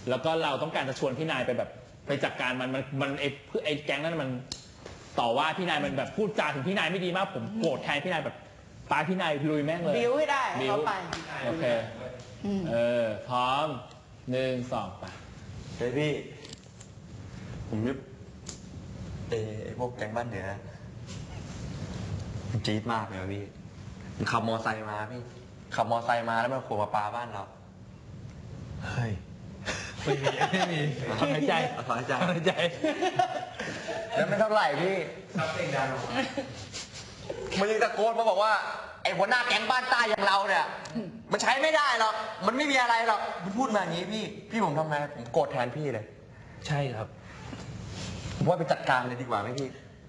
แล้วก็เราต้องการจะชวนพี่นายไปแบบไปจัดการมันไอ้แก๊งนั้นมันต่อว่าพี่นายมันแบบพูดจาถึงพี่นายไม่ดีมากผมโกรธแทนพี่นายแบบปาพี่นายลุยแม่งเลยบิ้วให้ได้เขาไปโอเคพร้อม1 2ไปเฮ้ยพี่ผมนึกไอ้พวกแก๊งบ้านเหนือจี๊ดมากเลยพี่ขับมอไซค์มาพี่ขับมอไซค์มาแล้วมันขู่มาปาบ้านเราเฮ้ยไม่มีถอนหายใจแล้วไม่เท่าไหร่พี่ครับเองดังมันยังตะโกนมาบอกว่าไอ้หัวหน้าแก๊งบ้านใต้อย่างเราเนี่ยมันใช้ไม่ได้หรอกมันไม่มีอะไรหรอกมันพูดมาอย่างนี้พี่ผมทำไงผมโกรธแทนพี่เลยใช่ครับผมว่าไปจัดการเลยดีกว่าไหมพี่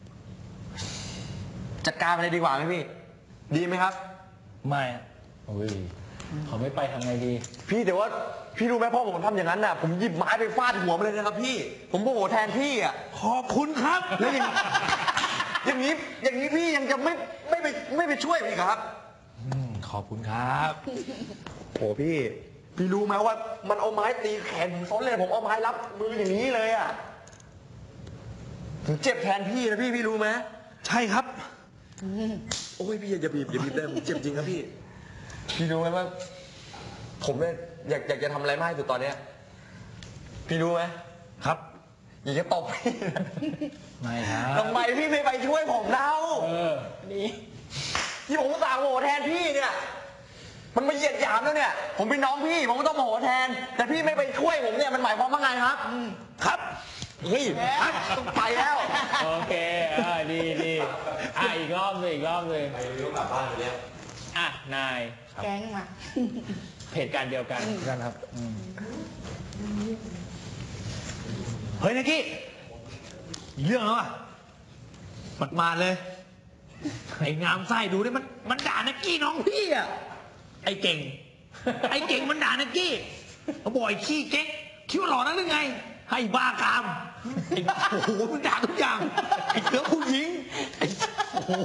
จัดการไปเลยดีกว่าไหมพี่ดีไหมครับไม่โอ้ยเขาไม่ไปทำไงดีพี่แต่ว่าพี่รู้ไหมพ่อผมทำอย่างนั้นน่ะผมหยิบไม้ไปฟาดหัวมันเลยนะครับพี่ผมโมโหแทนพี่อ่ะขอบคุณครับแล้วอย่างนี้พี่ยังจะไม่ไปช่วยพี่ครับขอบคุณครับโหพี่รู้ไหมว่ามันเอาไม้ตีแขนผมซ้นเลยผมเอาไม้รับมืออย่างนี้เลยอ่ะผมเจ็บแทนพี่นะพี่รู้ไหมใช่ครับโอ้ยพี่อย่าบีบเลยผมเจ็บจริงครับพี่รู้ไหมว่าผมเนี่ยอยากจะทำอะไรมากที่สุดตอนเนี้ยพี่รู้ไหมครับอยากจะตบพี่ไม่ครับทำไมพี่ไม่ไปช่วยผมเล่านี่ที่ผมสั่งโหแทนพี่เนี่ยมันมาเหยียดหยามแล้วเนี่ยผมเป็นน้องพี่ผมก็ต้องโหแทนแต่พี่ไม่ไปช่วยผมเนี่ยมันหมายความว่าไงครับครับเฮ้ยต้องไปแล้วโอเคดีอีกรอบเลยไปเรื่องกลับบ้านไปแล้วนายแก๊งมาเหตุการณ์เดียวกันครับเฮ้ยนักกี้เรื่องแล้วอ่ะมันมาเลยไอ้งามไส้ดูดิมันด่านักกี้น้องพี่อ่ะไอ้เก่งมันด่านักกี้เขาบอกไอ้ขี้เก๊กคิดว่าหล่อนักหรือไงให้บ้ากามโอ้โหมันด่าทุกอย่างไอ้เสือผู้หญิงโอ้โห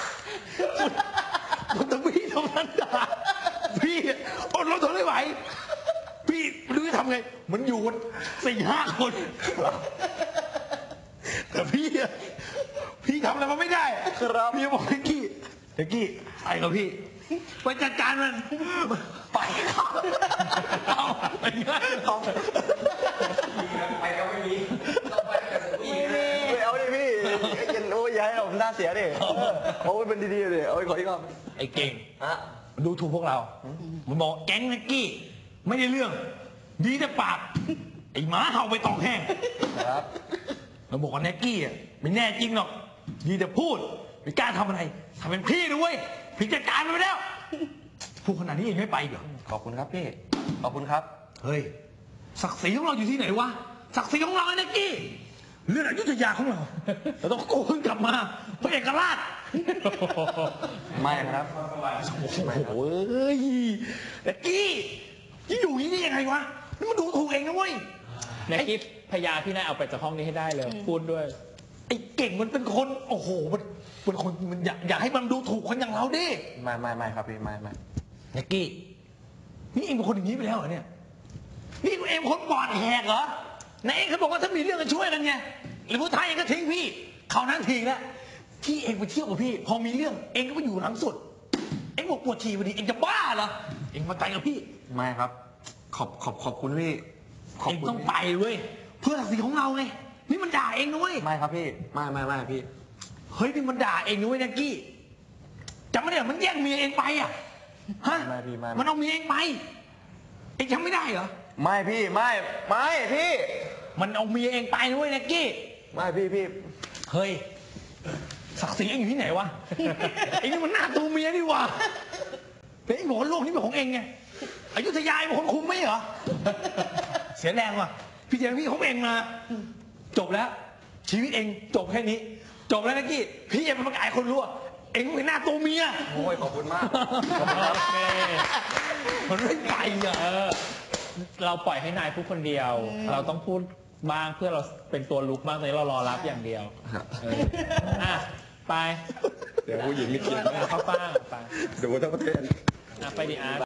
มันต้องพี่เท่านั้นด่าพี่อดรนทนไม่ไหวพี่ไม่รู้จะทำไงมันอยู่กัน4-5 คนแต่พี่ทำอะไรมันไม่ได้ครับพี่บอกเด็กกี้ไปกับพี่ไปจัดการมันไปครับเอาไปงั้นไปก็ไม่มีต้องไปกับพี่ไม่เอาดิพี่โอ้ยอย่าให้ผมหน้าเสียดิโอ้ยเป็นดีๆดิโอ้ยขออีกรอบไอ้เก่งมันดูถูกพวกเรามันบอกแก๊งนักกี้ไม่ได้เรื่องดีแต่ปากไอ้หมาเห่าไปตองแห้งครับเราบอกว่าแน็กกี้อ่ะไม่แน่จริงหรอกดีแต่พูดไม่กล้าทำอะไรทำเป็นพี่ด้วยพี่จัดการมันไปแล้วพูดขนาดนี้เองไม่ไปเหรอขอบคุณครับพี่ขอบคุณครับเฮ้ยศักดิ์ศรีของเราอยู่ที่ไหนวะศักดิ์ศรีของเราไอ้แน็กกี้เรื่องอยุธยาของเราต้องโกนกลับมาพระเอกราชไม่ครับโอ้ยแน็กกี้ที่อยู่อย่างนี้ได้ยังไงวะนี่มันดูถูกเองนะเว้ยแน็กกี้พยาพี่นายเอาไปจากห้องนี้ให้ได้เลยพูดด้วยไอ้เก่งมันเป็นคนโอ้โหมันเป็นคนมันอยากให้มันดูถูกคนอย่างเราดิไม่ครับพี่ไม่แน็กกี้นี่เองเป็นคนอย่างนี้ไปแล้วเหรอเนี่ยนี่เองคนปอดแหกเหรอไหนเองเขาบอกว่าถ้ามีเรื่องกันช่วยกันไงหรือผู้ชายเองก็ทิ้งพี่เขานั้นทิ้งแล้วที่เองไปเที่ยวกับพี่พอมีเรื่องเองก็ไปอยู่หลังสุดเองบอกปวดฉี่พอดีเองจะบ้าเหรอเองมาไปกับพี่ไม่ครับขอบคุณพี่เองต้องไปเว้ยเพื่อศักดิ์ศรีของเราไงนี่มันด่าเองนะเว้ยไม่ครับพี่ไม่พี่เฮ้ยนี่มันด่าเองนะเว้ยนักกี้จำไม่ได้มันแย่งเมียเองไปอ่ะฮะมันเอาเมียเองไปเองจำไม่ได้เหรอไม่พี่ไม่พี่มันเอาเมียเองไปนะเว้ยนักกี้ไม่พี่เฮ้ยศักดิ์ศรีเองอยู่ที่ไหนวะเองนี่มันหน้าตัวเมียนี่วะแต่เองบอกว่าโลกนี้เป็นของเองไงอยุธยาเป็นคนคุมไหมเหรอเสียแรงว่ะพี่เจมพี่ของเองมาจบแล้วชีวิตเองจบแค่นี้จบแล้วนักกี้พี่ยังประกาศคนรู้เองเป็นหน้าตัวเมียโอ้ยขอบคุณมากโอเคมันไม่ไปอ่ะเราปล่อยให้นายพูดคนเดียวเราต้องพูดบ้างเพื่อเราเป็นตัวลุกบ้างตอนนี้เรารอรับอย่างเดียวไปเดี๋ยวผู้หญิงไม่กินเข้าป้างไปเดี๋ยวทั้งประเทศไปดิอาร์